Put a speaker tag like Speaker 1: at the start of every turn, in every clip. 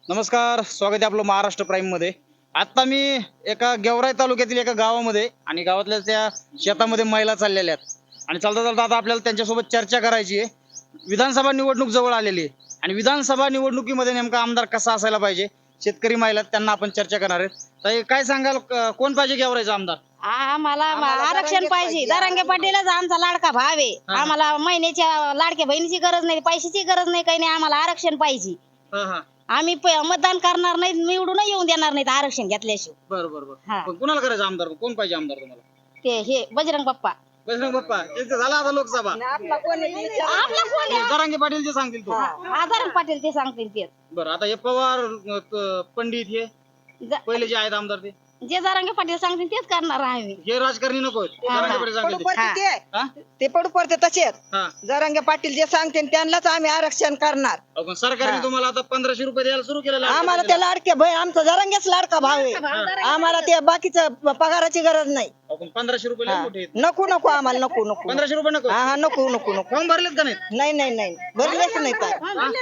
Speaker 1: नमस्कार, स्वागत आहे आपलं महाराष्ट्र प्राईम मध्ये. आता मी एका गेवराई तालुक्यातील एका गावामध्ये आणि गावातल्या त्या शेतामध्ये महिला चाललेल्या आहेत आणि चालता चालता आता आपल्याला त्यांच्यासोबत चर्चा करायची आहे. विधानसभा निवडणूक जवळ आलेली आहे आणि विधानसभा निवडणुकीमध्ये नेमका आमदार कसा असायला पाहिजे, शेतकरी महिला त्यांना आपण चर्चा करणार आहेत. तर काय सांगाल, कोण पाहिजे गेवराईचा आमदार?
Speaker 2: आम्हाला आरक्षण पाहिजे. जरांगे पाटीलच आमचा लाडका भाव आहे. आम्हाला महिन्याच्या लाडक्या बहिणीची गरज नाही, पैशाची गरज नाही, काही नाही. आम्हाला आरक्षण पाहिजे. आम्ही मतदान करणार नाही, निवडून येऊन देणार नाहीत आरक्षण घेतल्याशिवाय.
Speaker 1: बरोबर. कुणाला करायचं आमदार? कोण पाहिजे आमदार तुम्हाला?
Speaker 2: ते हे बजरंग बाप्पा.
Speaker 1: बजरंग बाप्पा त्यांचं झालं आता लोकसभा.
Speaker 2: आपला कोण आहे?
Speaker 1: जरांगे पाटील जे सांगतील तो.
Speaker 2: जरांगे पाटील ते सांगतील ते.
Speaker 1: बरं, आता हे पवार पंडित हे पहिले जे आहेत आमदार
Speaker 2: जे जरांगे पाटील सांगतील तेच करणार आम्ही.
Speaker 1: हे राजकारणी नको जरांगे पाटील सांगतील
Speaker 3: ते पडू पडते तसेच
Speaker 1: हा.
Speaker 3: जरांगे पाटील जे सांगते त्यांनाच आम्ही आरक्षण करणार.
Speaker 1: पण सरकारने तुम्हाला आता 1500 रुपये द्यायला सुरू केलेलं आहे.
Speaker 3: आम्हाला ते लाडके भाई आमचा जरांगेच लाडका भाव आहे. आम्हाला ते बाकीचं पगाराची गरज नाही.
Speaker 1: पण 1500 रुपये लय मोठे आहेत.
Speaker 3: नको नको आम्हाला नको नको
Speaker 1: 1500 रुपये नको.
Speaker 3: हा नको नको नको
Speaker 1: फॉर्म भरलेत का नाही?
Speaker 3: नाही नाही नाही भरलेच नाही काय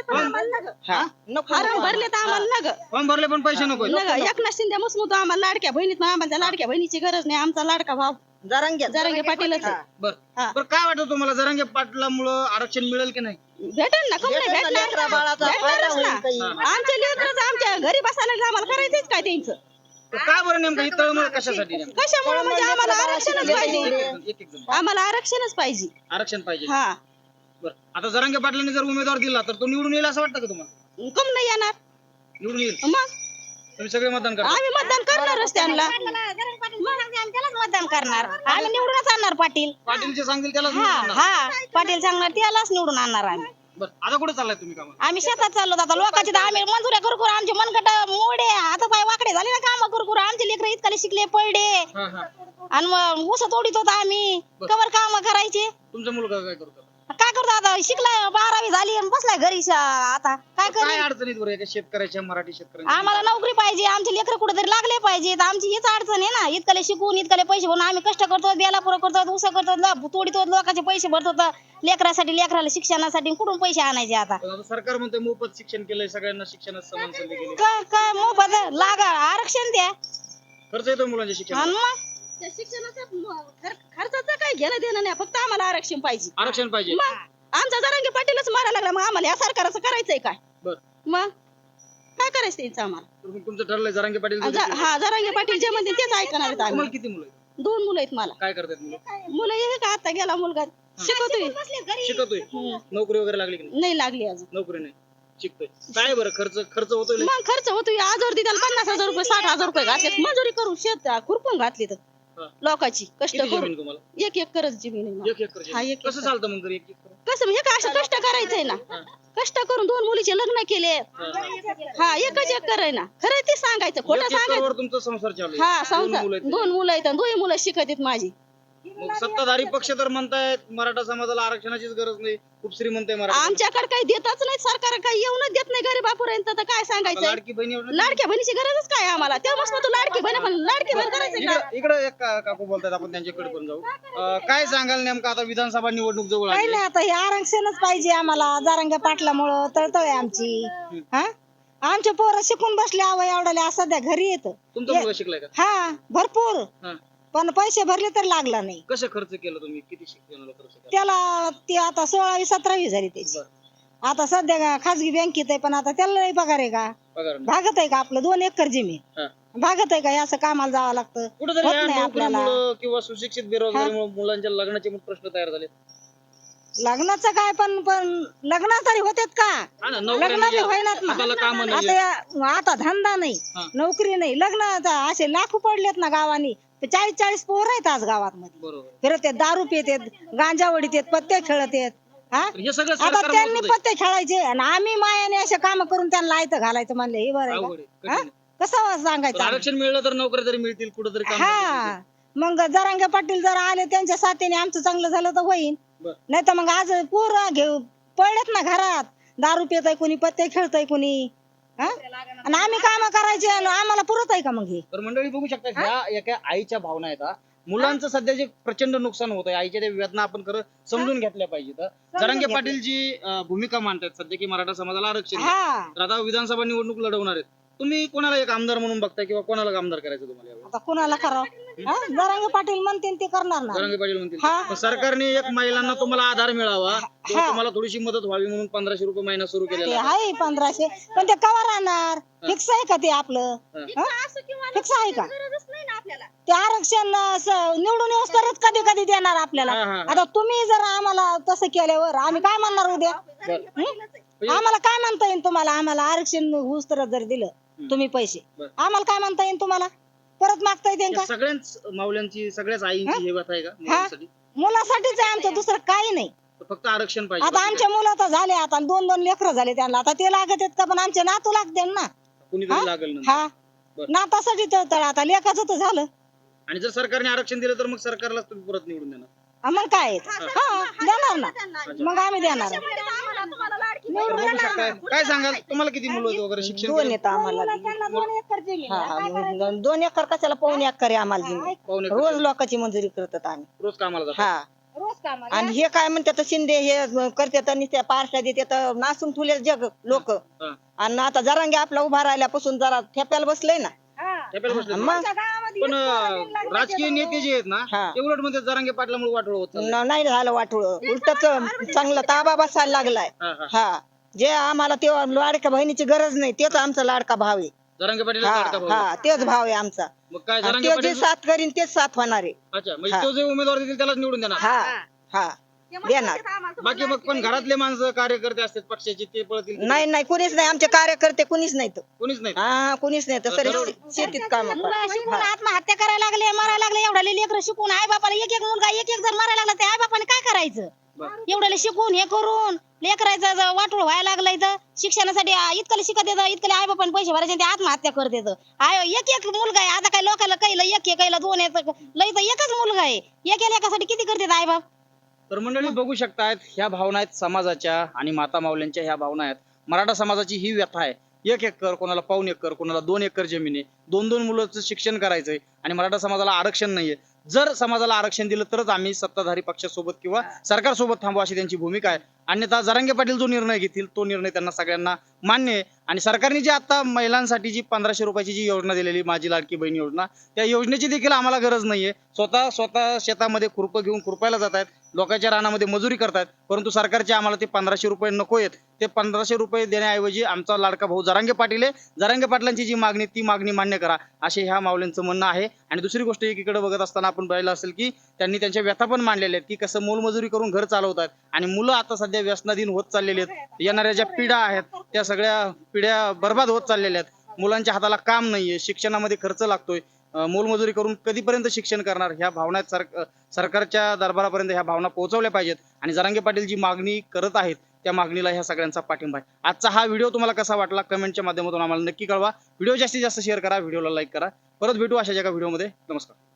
Speaker 3: नको
Speaker 2: भरले तर आम्हाला नग
Speaker 1: फॉर्म भरले पण पैसे नको.
Speaker 2: एकनाथ शिंदे मसमूत आम्हाला लाडक्या बहिणीत आम्हाला लाडक्या बहिणीची गरज नाही. आमचा लाडका भाव जरांगे पाटीलच आहे.
Speaker 1: बरं काय वाटतं तुम्हाला, जरांगे पाटलामुळे आरक्षण मिळेल की नाही?
Speaker 2: भेटेल ना, कम नाही भेटणार? भेटणारच ना. आमच्या लेकरं आमच्या घरी बसायला आम्हाला करायचंच काय त्यांचं?
Speaker 1: काय बरं नेमकं ही तळमळ कशासाठी?
Speaker 2: कशामुळे म्हणजे आम्हाला आरक्षणच पाहिजे.
Speaker 1: एक एक जण.
Speaker 2: आम्हाला आरक्षणच पाहिजे.
Speaker 1: आरक्षण पाहिजे.
Speaker 2: हा,
Speaker 1: बरं, आता जरांगे पाटलांनी जर उमेदवार दिला तर तो निवडून येईल असं वाटतं का तुम्हाला?
Speaker 2: कम नाही येणार.
Speaker 1: निवडून येईल.
Speaker 2: मग
Speaker 1: तुम्ही सगळे मतदान करा.
Speaker 2: आम्ही मतदान करणारच त्यांना. त्यालाच मतदान करणार. आम्ही निवडूनच आणणार पाटील.
Speaker 1: पाटील जे सांगतील त्याला
Speaker 2: हा, पाटील सांगणार त्यालाच निवडून आणणार आम्ही.
Speaker 1: बरं, आता कुठे चाललाय तुम्ही कामाला?
Speaker 2: आम्ही शेतात चाललो आता लोकांची तर आम्ही मंजुऱ्या करू करू आमचे मनगट मोडे हात पाय वाकडे झाले ना. काम करू करू आमचे लेकर इतकाले शिकले पडले आणि मग ऊस तोडीत होतो आम्ही. कवर काम करायचे.
Speaker 1: तुमचा मुलगा काय करतो?
Speaker 2: काय करतो आता? शिकलाय, 12वी झाली आणि बसलाय घरी. आता काय
Speaker 1: काय
Speaker 2: कर?
Speaker 1: अडचणीत बरं एका शेतकऱ्याच्या, मराठी शेतकऱ्यांच्या?
Speaker 2: आम्हाला नोकरी पाहिजे. आमचे लेकर कुठेतरी लागले पाहिजेत. आमची हीच अडचण आहे ना. इतकाले शिकून इतकाले पैसे भरून आम्ही कष्ट करतो, बेला पुरं करतो, ऊस करतो, तोडीतो, लोकांचे पैसे भरतो. लेकरासाठी, लेकराला शिक्षणासाठी कुठून पैसे आणायचे आता?
Speaker 1: पण आता सरकार म्हणतंय मोफत शिक्षण केलंय, सगळ्यांना शिक्षणात समान संधी केली.
Speaker 2: काय काय मोफत लागा आरक्षण द्या.
Speaker 1: खर्च येतो मुलांच्या
Speaker 2: आणि
Speaker 1: शिक्षणात.
Speaker 2: मग त्या शिक्षणाचं खर्चाचं काही घेणं देणं नाही. फक्त आम्हाला आरक्षण पाहिजे.
Speaker 1: आरक्षण पाहिजे.
Speaker 2: मग आमचा जरांगे पाटीलच मारायला लागला. मग आम्हाला या सरकारचं करायचंय काय?
Speaker 1: बरं,
Speaker 2: मग काय करायचं त्यांचं आम्हाला?
Speaker 1: तुमचं ठरलंय जरांगे पाटील.
Speaker 2: हा, जरांगे पाटील जे म्हणतील तेच ऐकणार आहेत आम्ही.
Speaker 1: तुम्हाला किती मुलं आहेत?
Speaker 2: 2 मुलं आहेत मला.
Speaker 1: काय करतात मुलं?
Speaker 2: मुलं हे का आता गेला मुलगा शिकवतोय.
Speaker 1: शिकतोय. नोकरी वगैरे लागली की नाही?
Speaker 2: नाही लागली अजून.
Speaker 1: नोकरी नाही, शिकतोय. काय बरं खर्च होतोय लय?
Speaker 2: मग खर्च होतोय. आजवर त्याला 50,000 रुपये 60,000 रुपये घातले. मंजुरी करून शेत खुरपून घातली तर
Speaker 1: हा.
Speaker 2: लोकांची कष्ट
Speaker 1: किती
Speaker 2: करून.
Speaker 1: जमीन तुम्हाला?
Speaker 2: एक करत जमीन आहे मला.
Speaker 1: एक एकर
Speaker 2: हा,
Speaker 1: जमीन.
Speaker 2: एक
Speaker 1: कसं
Speaker 2: एकर.
Speaker 1: चालतं मग घरी एक एकर?
Speaker 2: कसं म्हणजे काय असं कष्ट करायचंय ना. कष्ट करून 2 मुलीचे लग्न केले. हा, एकच एकर आहे ना. खरं ते सांगायचं, खोटं
Speaker 1: एक
Speaker 2: सांगायचं.
Speaker 1: एकरवर तुमचा संसार चालू आहे.
Speaker 2: हा,
Speaker 1: 2 मुलं आहेत.
Speaker 2: 2 मुलं आहेत. 2 मुलं शिकत आहेत माझी.
Speaker 1: मग सत्ताधारी पक्ष तर म्हणतायत मराठा समाजाला आरक्षणाचीच गरज नाही, खूप श्रीमंत आहे मराठा.
Speaker 2: आमच्याकडे काही देतच नाही सरकार. काही येऊनच देत नाही गरीबापर्यंत. तर काय सांगायचं?
Speaker 1: लाडकी बहिणी
Speaker 2: लाडक्या बहिणीची गरजच काय आम्हाला? तेव्हाच तू लाडकी बहीण पण लाडकी बहीण करायचं का?
Speaker 1: इकडे एक काकू बोलतात, आपण त्यांच्याकडे पण जाऊ. काय सांगाल नेमकं, आता विधानसभा निवडणूक जवळ
Speaker 3: काही
Speaker 1: आली
Speaker 3: नाही. आता हे आरक्षणच पाहिजे आम्हाला. जरांगे पाटलामुळं तळतळ आमची. हा, आमचे पोरं शिकून बसले एवढ्याला सध्या घरी येत.
Speaker 1: तुमचा मुलगा शिकलाय का?
Speaker 3: हा, भरपूर.
Speaker 1: हा.
Speaker 3: पण पैसे भरले तर लागला नाही
Speaker 1: कसं खर्च केलं तुम्ही? किती शिक्षणाला खर्च केला?
Speaker 3: त्याला. ती आता 16वी 17वी झाली त्याची. आता सध्या खाजगी बँकेत आहे, पण आता त्याला नाही पगार आहे का?
Speaker 1: पगार नाही.
Speaker 3: भागत आहे का? आपलं 2 एकर जमीन
Speaker 1: हा.
Speaker 3: भागत आहे का? हे असं कामाला जावं लागतं.
Speaker 1: कुठेतरी
Speaker 3: होत
Speaker 1: या
Speaker 3: नाही आपल्याला.
Speaker 1: नोकरीमुळं किंवा सुशिक्षित बेरोजगारीमुळे मुलांच्या लग्नाचे पण प्रश्न तयार झाले.
Speaker 3: लग्नाचं काय? पण लग्न तरी होतेत का?
Speaker 1: हा ना, नोकऱ्या
Speaker 3: लग्न
Speaker 1: नाही,
Speaker 3: बी होईनात ना.
Speaker 1: हाताला कामं नाही.
Speaker 3: आता धंदा नाही,
Speaker 1: हा.
Speaker 3: नोकरी नाही. लग्न असे लाखो पडलेत ना गावानी. 40-40 पोरं आहेत आज गावात मध्ये.
Speaker 1: बरोबर.
Speaker 3: फिरत आहेत, दारू पितात, गांजा वडीत आहेत, पत्ते खेळत आहेत. हा,
Speaker 1: हे सगळं
Speaker 3: आता
Speaker 1: सरकार
Speaker 3: त्यांनी
Speaker 1: म्हणतंय.
Speaker 3: पत्ते खेळायचे आणि आम्ही मायाने असे काम करून त्यांना लायचं घालायचं म्हणले. हे बरं आहे
Speaker 1: अवघड आहे,
Speaker 3: का? हा?
Speaker 1: कठीण
Speaker 3: कसं
Speaker 1: आहे.
Speaker 3: सांगायचं
Speaker 1: पण
Speaker 3: आम्ही?
Speaker 1: आरक्षण मिळलं तर नोकऱ्या तरी मिळतील, कुठेतरी काम
Speaker 3: हा, मग जरांगे पाटील जर आले त्यांच्या साथीने आमचं चांगलं झालं तर होईल.
Speaker 1: बरं.
Speaker 3: नाही तर मग आज पोरं घेऊ पडलेत ना घरात. दारू पितय कोणी, पत्ते खेळतय कोणी. हा? आणि आम्ही काम करायचे आणि आम्हाला पुरत आहे का मग हे?
Speaker 1: तर मंडळी बघू शकता, ह्या एका आईच्या भावना आहेत. मुलांचं सध्या जे प्रचंड नुकसान होत आहे, आईच्या त्या वेदना आपण खरं समजून घेतल्या पाहिजेत. जरांगे पाटील जी भूमिका मांडतात सध्या की मराठा समाजाला आरक्षण द्या.
Speaker 3: हा
Speaker 1: तर आता विधानसभा निवडणूक लढवणार आहेत, तुम्ही कोणाला एक आमदार म्हणून बघताय किंवा कोणाला आमदार करायचं तुम्हाला यावेळी?
Speaker 3: आता कुणाला करावं जरांगे पाटील म्हणतील ते करणार ना
Speaker 1: जरांगे पाटील म्हणतील
Speaker 3: हा.
Speaker 1: पण सरकारने एक महिलांना तुम्हाला आधार मिळावा किंवा
Speaker 3: हा.
Speaker 1: तुम्हाला थोडीशी मदत व्हावी म्हणून 1500 रुपये महिना सुरू
Speaker 3: ते
Speaker 1: केलेला आहे.
Speaker 3: आहे 1500 पण ते कवा राहणार फिक्स आहे का ते आपलं फिक्स आहे का ते आरक्षण निवडून येऊस तरच कधी कधी देणार आपल्याला
Speaker 1: हा, हा, हा.
Speaker 3: आता तुम्ही जर आम्हाला तसं केल्यावर आम्ही काय म्हणणार उद्या
Speaker 1: बरं.
Speaker 3: आम्हाला काय म्हणता येईल तुम्हाला आम्हाला आरक्षण होऊस तर जर दिलं तुम्ही पैसे
Speaker 1: बरं.
Speaker 3: आम्हाला काय म्हणता येईल तुम्हाला परत मागता येईल
Speaker 1: या
Speaker 3: का
Speaker 1: सगळ्याच माऊल्यांची सगळ्याच आईंची हे व्यथा आहे का मुलांसाठी?
Speaker 3: मुलासाठीच आहे आमचं दुसरं काही नाही
Speaker 1: फक्त आरक्षण पाहिजे
Speaker 3: आता
Speaker 1: बाकी
Speaker 3: आमच्या मुलं तर झाले आता 2-2 लेकरं झाले त्यांना आता ते लागत आहेत का पण आमचे नातू लागते ना
Speaker 1: काय? कुणीतरी लागेल नंतर.
Speaker 3: हा
Speaker 1: बरं.
Speaker 3: नातासाठी तर आता लेखाचं तर झालं
Speaker 1: आणि जर सरकारने आरक्षण दिलं तर मग सरकारला तुम्ही परत निवडून देणार.
Speaker 3: मग काय आहे? हा देणार ना मग आम्ही देणार
Speaker 1: बघू शकताय. काय सांगाल तुम्हाला किती मुलं आहेत वगैरे शिक्षण
Speaker 4: दोन
Speaker 1: केलं?
Speaker 4: येतं आम्हाला हा, 2 एकर कशाला पाऊण एकर आहे आम्हाला जमीन.
Speaker 1: पाहुणे
Speaker 4: रोज लोकांची मंजुरी करतात आम्ही
Speaker 1: रोज कामाला जातात.
Speaker 4: हा
Speaker 3: रोज कामाला
Speaker 4: आणि हे काय म्हणतात शिंदे हे करतात आणि त्या पार्ट्या देतात नासून ठुले जग लोक
Speaker 1: हा.
Speaker 4: आणि आता जरांगे आपला उभा राहिल्यापासून जरा ठेप्याला बसलंय ना
Speaker 1: ठेप्याला बसले तुम्ही.
Speaker 4: मग
Speaker 1: पण राजकीय नेते जे आहेत ना
Speaker 4: हा.
Speaker 1: ते उलट म्हणतात जरांगे पाटलामुळे वाटोळ होत चाललंय.
Speaker 4: नाही झालं वाटोळ उलटच चांगला ताबा बसायला लागलाय
Speaker 1: हा, हा.
Speaker 4: हा जे आम्हाला ते लाडक्या बहिणीची गरज नाही तेच आमचा लाडका भाव आहे
Speaker 1: जरांगे पाटील
Speaker 4: हा
Speaker 1: लाडका भाऊ आहे.
Speaker 4: हा तेच भाव आहे आमचा
Speaker 1: मग काय
Speaker 4: आणि
Speaker 1: जरांगे
Speaker 4: ते जे
Speaker 1: पाटील
Speaker 4: साथ करीन तेच साथ होणार आहे
Speaker 1: अच्छा म्हणजे
Speaker 4: हा.
Speaker 1: तो जे उमेदवार देतील त्यालाच निवडून देणार.
Speaker 4: हा हा देणार
Speaker 1: बाकी मग पण घरातले माणसं कार्यकर्ते असतात पक्षाचे ते पळतील
Speaker 4: नाही नाही कुणीच नाही आमचे कार्यकर्ते कुणीच नाहीत
Speaker 1: कोणीच नाही.
Speaker 4: हा कुणीच नाही तर शेतीत काम
Speaker 2: मुलं शिकून आत्महत्या करायला लागले मरायला लागले एवढ्याले लेकरं शिकून आई बापाला एक एक मुलगा एक एक जर मरायला लागला ते आई बापाने काय करायचं
Speaker 1: बरं.
Speaker 2: एवढ्याले शिकून हे करून लेकरायचं वाटोळ व्हायला लागलं इथं शिक्षणासाठी इतकं शिकत येतं इतकं आई बापाने पैसे भरायचे आणि ते आत्महत्या करत येतं एक एक मुलगा आहे आता काय लोकांना कैला एक कैला 2 येतं लई तर एकच मुलगा आहे एका लेकासाठी किती करतात आई बाप
Speaker 1: तर मंडळी बघू शकतायत ह्या भावना आहेत समाजाच्या आणि माता माऊल्यांच्या ह्या भावना आहेत. मराठा समाजाची ही व्यथा आहे. 1 एकर कोणाला पाऊण एकर कोणाला 2 एकर जमीन आहे 2-2 मुलांचं शिक्षण करायचंय आणि मराठा समाजाला आरक्षण नाहीये. जर समाजाला आरक्षण दिलं तरच आम्ही सत्ताधारी पक्षासोबत किंवा सरकारसोबत थांबू अशी त्यांची भूमिका आहे. अन्यथा जरांगे पाटील जो निर्णय घेतील तो निर्णय त्यांना सगळ्यांना मान्य आहे. आणि सरकारने जी आता महिलांसाठी जी 1500 रुपयाची जी योजना दिलेली माझी लाडकी बहीण योजना त्या योजनेची देखील आम्हाला गरज नाहीये. स्वतः शेतामध्ये खुरपं घेऊन खुरपायला जात आहेत लोकांच्या रानामध्ये मजुरी करतायत परंतु सरकारचे आम्हाला ते 1500 रुपये नको आहेत. ते 1500 रुपये देण्याऐवजी आमचा लाडका भाऊ जरांगे पाटील आहे जरांगे पाटलांची जी मागणी ती मागणी मान्य करा असे ह्या माऊल्यांचं म्हणणं आहे. आणि दुसरी गोष्ट एकीकडे बघत असताना आपण पाहिलं असेल की त्यांनी त्यांच्या व्यथा पण मांडलेल्या आहेत की कसं मोलमजुरी करून घर चालवतात आणि मुलं आता सध्या व्यसनाधीन होत चाललेली आहेत. येणाऱ्या ज्या पिढ्या आहेत त्या सगळ्या पिढ्या बर्बाद होत चाललेल्या आहेत. मुलांच्या हाताला काम नाहीये शिक्षणामध्ये खर्च लागतोय मोलमजुरी करून कधीपर्यंत शिक्षण करणार ह्या भावना सरकारच्या दरबारापर्यंत ह्या भावना पोहोचवल्या पाहिजेत. आणि जरांगे पाटील जी मागणी करत आहेत त्या मागणीला ह्या सगळ्यांचा पाठिंबा आहे. आजचा हा व्हिडिओ तुम्हाला कसा वाटला कमेंटच्या माध्यमातून आम्हाला नक्की कळवा. व्हिडिओ जास्तीत जास्त शेअर करा व्हिडिओला लाईक करा. परत भेटू अशा एका व्हिडिओमध्ये. नमस्कार.